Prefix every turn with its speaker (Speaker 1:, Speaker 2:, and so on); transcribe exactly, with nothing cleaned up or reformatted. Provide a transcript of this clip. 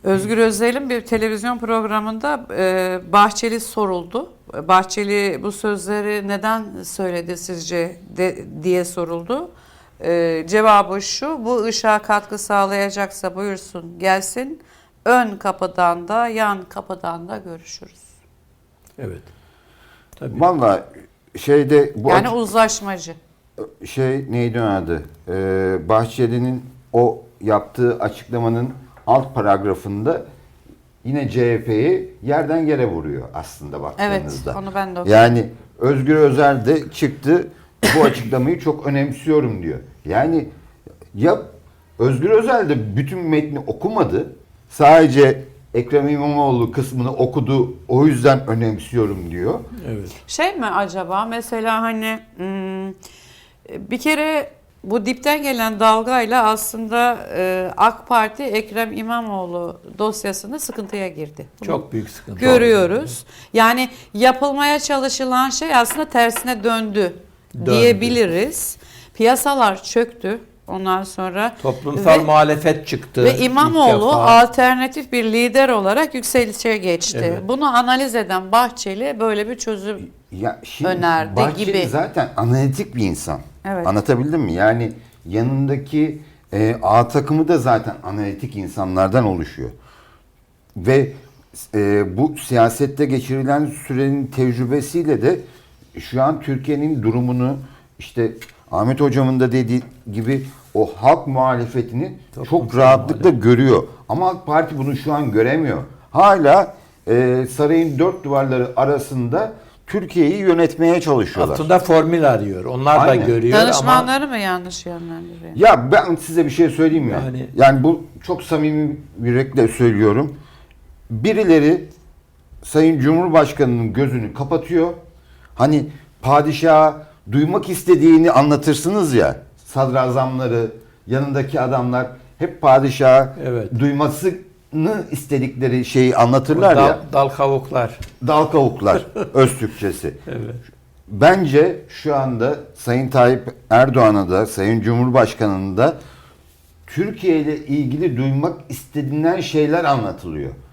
Speaker 1: Özgür Özel'in bir televizyon programında e, Bahçeli soruldu. Bahçeli bu sözleri neden söyledi sizce de, diye soruldu. E, cevabı şu: bu ışığa katkı sağlayacaksa buyursun gelsin. Ön kapıdan da yan kapıdan da görüşürüz.
Speaker 2: Evet. Tabii.
Speaker 3: Vallahi şeyde bu
Speaker 1: Yani
Speaker 3: açık-
Speaker 1: uzlaşmacı.
Speaker 3: şey neydi onun adı? Ee, Bahçeli'nin o yaptığı açıklamanın alt paragrafında yine C H P'yi yerden yere vuruyor aslında
Speaker 1: Evet,
Speaker 3: baktığınızda.
Speaker 1: onu ben de okudum.
Speaker 3: Yani Özgür Özel de çıktı, bu açıklamayı çok önemsiyorum diyor. Yani ya Özgür Özel de bütün metni okumadı, sadece Ekrem İmamoğlu kısmını okudu, o yüzden önemsiyorum diyor.
Speaker 2: Evet.
Speaker 1: Şey mi acaba mesela hani hmm, bir kere bu dipten gelen dalgayla aslında e, AK Parti Ekrem İmamoğlu dosyasında sıkıntıya girdi. Bunu
Speaker 2: Çok büyük sıkıntı.
Speaker 1: görüyoruz. Yani yapılmaya çalışılan şey aslında tersine döndü,
Speaker 2: Döndü.
Speaker 1: diyebiliriz. Piyasalar çöktü. Ondan sonra
Speaker 2: Toplumsal
Speaker 1: ve,
Speaker 2: muhalefet çıktı.
Speaker 1: ve
Speaker 2: ilk
Speaker 1: İmamoğlu
Speaker 2: defa.
Speaker 1: alternatif bir lider olarak yükselişe geçti.
Speaker 2: Evet.
Speaker 1: Bunu analiz eden Bahçeli böyle bir çözüm
Speaker 3: Ya şimdi
Speaker 1: önerdi
Speaker 3: Bahçeli
Speaker 1: gibi.
Speaker 3: zaten analitik bir insan.
Speaker 1: Evet.
Speaker 3: Anlatabildim mi? Yani yanındaki e, A takımı da zaten analitik insanlardan oluşuyor. Ve e, bu siyasette geçirilen sürenin tecrübesiyle de şu an Türkiye'nin durumunu, işte Ahmet Hocam'ın da dediği gibi o halk muhalefetini
Speaker 2: Toplumsal
Speaker 3: çok rahatlıkla
Speaker 2: muhalefet.
Speaker 3: görüyor. Ama AK Parti bunu şu an göremiyor. Hala e, sarayın dört duvarları arasında Türkiye'yi yönetmeye çalışıyorlar.
Speaker 2: Altında formül arıyor. Onlar
Speaker 3: Aynen.
Speaker 2: da görüyor ama
Speaker 1: Danışmanları mı yanlış yönlendiriyor?
Speaker 3: Ya ben size bir şey söyleyeyim mi?
Speaker 2: Yani-
Speaker 3: Yani, bu çok samimi yürekle söylüyorum. Birileri Sayın Cumhurbaşkanı'nın gözünü kapatıyor. Hani padişaha duymak istediğini anlatırsınız ya. Sadrazamları, yanındaki adamlar hep padişaha
Speaker 2: Evet.
Speaker 3: duymasını istedikleri şeyi anlatırlar
Speaker 2: dal,
Speaker 3: ya.
Speaker 2: dal kavuklar.
Speaker 3: Dal kavuklar, öz Türkçesi.
Speaker 2: Evet.
Speaker 3: Bence şu anda Sayın Tayyip Erdoğan'a da, Sayın Cumhurbaşkanı'nın da Türkiye ile ilgili duymak istenilen şeyler anlatılıyor.